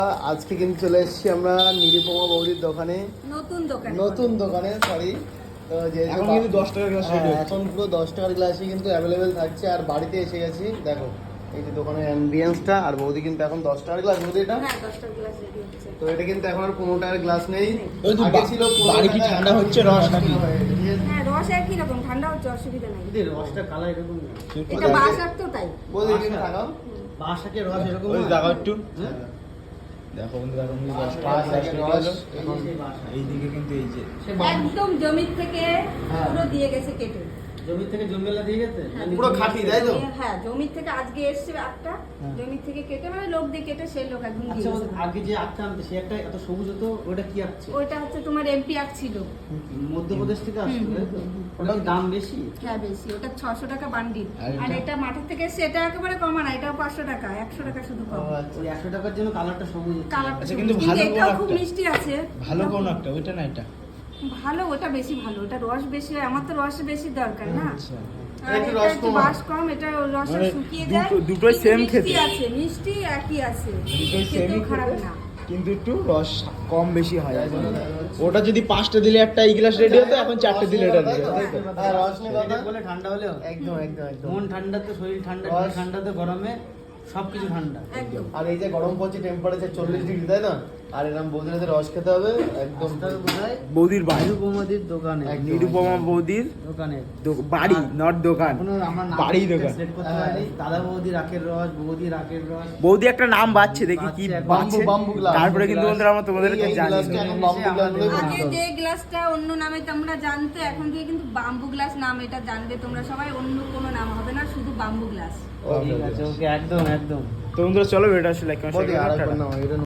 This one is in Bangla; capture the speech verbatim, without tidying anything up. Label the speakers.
Speaker 1: আজকে কিন্তু চলে এসেছি আমরা নিরুপমা বৌদির দোকানে,
Speaker 2: নতুন দোকানে
Speaker 1: নতুন দোকানে সরি। তো যে
Speaker 3: এখন কিন্তু দশ টাকার গ্লাস রেডি হচ্ছে।
Speaker 1: এখন পুরো দশ টাকার গ্লাসই কিন্তু অ্যাভেলেবেল থাকছে। আর বাড়িতে এসে গেছি, দেখো এই যে দোকানের অ্যাম্বিয়েন্সটা। আর বৌদি কিন্তু এখন দশ টাকার গ্লাস, বৌদি এটা
Speaker 2: হ্যাঁ দশ টাকার গ্লাস রেডি হচ্ছে।
Speaker 1: তো এটা কিন্তু এখন আর পনেরো টাকার গ্লাস নেই,
Speaker 3: ওই তো
Speaker 1: আগে ছিল পনেরো
Speaker 3: বাড়ি কি
Speaker 1: টাকা,
Speaker 3: ঠান্ডা হচ্ছে, রস নাকি?
Speaker 2: হ্যাঁ রস একই রকম, ঠান্ডা হচ্ছে, অসুবিধা নাই।
Speaker 4: রসটা কালার এরকম না।
Speaker 2: এটা বাসার তো তাই।
Speaker 1: বৌদি কিন্তু থাকাও
Speaker 4: বাসাকে রস এরকম
Speaker 3: ওই
Speaker 4: না।
Speaker 3: দেখো একটু
Speaker 4: হ্যাঁ?
Speaker 3: দেখো বন্ধু, এখন কিন্তু দশ টাকার
Speaker 1: পাঁচ
Speaker 3: গ্লাস
Speaker 1: টাকার
Speaker 3: রেডি
Speaker 1: রস
Speaker 3: হলো।
Speaker 1: এখন
Speaker 4: এই বাসা।
Speaker 3: এইদিকে কিন্তু এই যে
Speaker 4: সে বাম-
Speaker 2: একদম জমির থেকে
Speaker 4: হ্যাঁ।
Speaker 2: পুরো দিয়ে গেছে কেটে।
Speaker 4: জমি থেকে জমিলা দিয়ে গেছে?
Speaker 2: হ্যাঁ,
Speaker 1: পুরো খাঁটি, তাই তো?
Speaker 2: হ্যাঁ জমির থেকে আজকে এসছে একটা,
Speaker 3: হ্যাঁ।
Speaker 2: জমির থেকে কেটে মানে লোক দিয়ে কেটে সেই লোক একদম
Speaker 4: আচ্ছা
Speaker 2: দিয়ে
Speaker 4: বলতো,
Speaker 2: গেছে।
Speaker 4: আগে যে আখটা আনতে সে একটা এত সবুজ হতো, ওটা কি আখছে?
Speaker 2: ওইটা হচ্ছে তোমার এমপি আখ ছিল।
Speaker 4: মধ্যপ্রদেশ থেকে আসতো,
Speaker 2: হুম,
Speaker 4: তাই তো?
Speaker 2: হুম,
Speaker 4: ওটার দাম বেশি?
Speaker 2: হ্যাঁ বেশি, ওটা ছশো টাকা বান্ডিল।
Speaker 3: আর
Speaker 2: আর
Speaker 3: এটা?
Speaker 2: এটা মাঠের থেকে এসছে, এটা একেবারে কমা না, এটাও পাঁচশো টাকা, একশো টাকা শুধু কম।
Speaker 4: ওই একশো টাকার জন্য কালারটা সবুজ হচ্ছে।
Speaker 2: কালারটা
Speaker 3: আচ্ছা,
Speaker 2: সবুজ।
Speaker 3: কিন্তু
Speaker 2: কিন্তু
Speaker 3: ভালো
Speaker 2: এটাও
Speaker 3: কোন
Speaker 2: খুব
Speaker 3: একটা?
Speaker 2: মিষ্টি আছে।
Speaker 3: ভালো কোন একটা, ওইটা না এটা?
Speaker 2: ভালো, ওটা বেশি ভালো, ওটা রস বেশি হয়, আমার তো রস বেশি দরকার না।
Speaker 3: আচ্ছা,
Speaker 2: আর
Speaker 1: একটু
Speaker 2: এটা
Speaker 1: রস
Speaker 2: একটু
Speaker 1: কম
Speaker 2: বাস কম, এটা রসটা
Speaker 3: মানে
Speaker 2: শুকিয়ে
Speaker 3: দুটো-
Speaker 2: যায়।
Speaker 3: দুটোই
Speaker 2: কিন্তু
Speaker 3: same
Speaker 2: মিষ্টি
Speaker 3: খেতে।
Speaker 2: আছে, মিষ্টি একই আছে,
Speaker 3: দুটোই
Speaker 2: কিন্তু
Speaker 3: সেমই
Speaker 2: খারাপ
Speaker 3: খেতে,
Speaker 2: না।
Speaker 3: কিন্তু একটু রস কম বেশি হয়।
Speaker 1: তাই জন্য দেখা যাচ্ছে।
Speaker 3: ওটা যদি পাঁচটা দিলে একটা এই গ্লাস রেডি হতো, এখন চারটে দিলে এটা রেডি হতো, তাই তো?
Speaker 1: হ্যাঁ, রস নিয়ে কথা।
Speaker 4: বলে ঠান্ডা হলেও
Speaker 1: একদম একদম একদম।
Speaker 4: মন ঠান্ডা তো শরীর ঠান্ডা,
Speaker 1: রস।
Speaker 4: ঠান্ডাতে গরমে সবকিছু ঠান্ডা।
Speaker 2: একদম।
Speaker 1: আর এই যে গরম পড়ছে, টেম্পারেচার চল্লিশ ডিগ্রি, তাই না? আর এরকম বৌদির হাতে রস খেতে হবে একদম।
Speaker 4: দশটার বোধহয়
Speaker 3: বৌদির বাড়ি,
Speaker 4: নিরুপমাদির দোকানে।
Speaker 1: একদম।
Speaker 3: নিরুপমা বৌদির
Speaker 4: দোকানে
Speaker 3: দো- বাড়ি, নট দোকান,
Speaker 4: এখনো আমরা নাম
Speaker 3: বাড়ি দোকান।
Speaker 4: select করতে পারিনি। দাদা বৌদি রাখের রস, বৌদি রাখের রস।
Speaker 3: বৌদি একটা নাম বাচ্ছে, দেখি কি
Speaker 4: বাচ্ছে,
Speaker 3: বাচ্ছে।
Speaker 1: Bamboo- bamboo glass.
Speaker 3: তারপরে কিন্তু বন্ধুরা আমরা তোমাদেরকে
Speaker 1: এই
Speaker 3: জানিয়ে
Speaker 1: গ্লাসটা
Speaker 3: দেবো।
Speaker 1: এখন বাম্বু গ্লাস বলে
Speaker 2: আগে
Speaker 1: পরিচিত।
Speaker 2: যে গ্লাসটা অন্য নামে তোমরা জানতো, এখন থেকে কিন্তু বাম্বু গ্লাস নাম এটা জানবে তোমরা সবাই, অন্য কোনো নাম হবে না, শুধু বাম্বু গ্লাস।
Speaker 4: ঠিক আছে, ওকে, একদম একদম।
Speaker 3: তো বন্ধুরা চলো, এটা আসলে
Speaker 1: বৌদি আর একবার নাও, এটা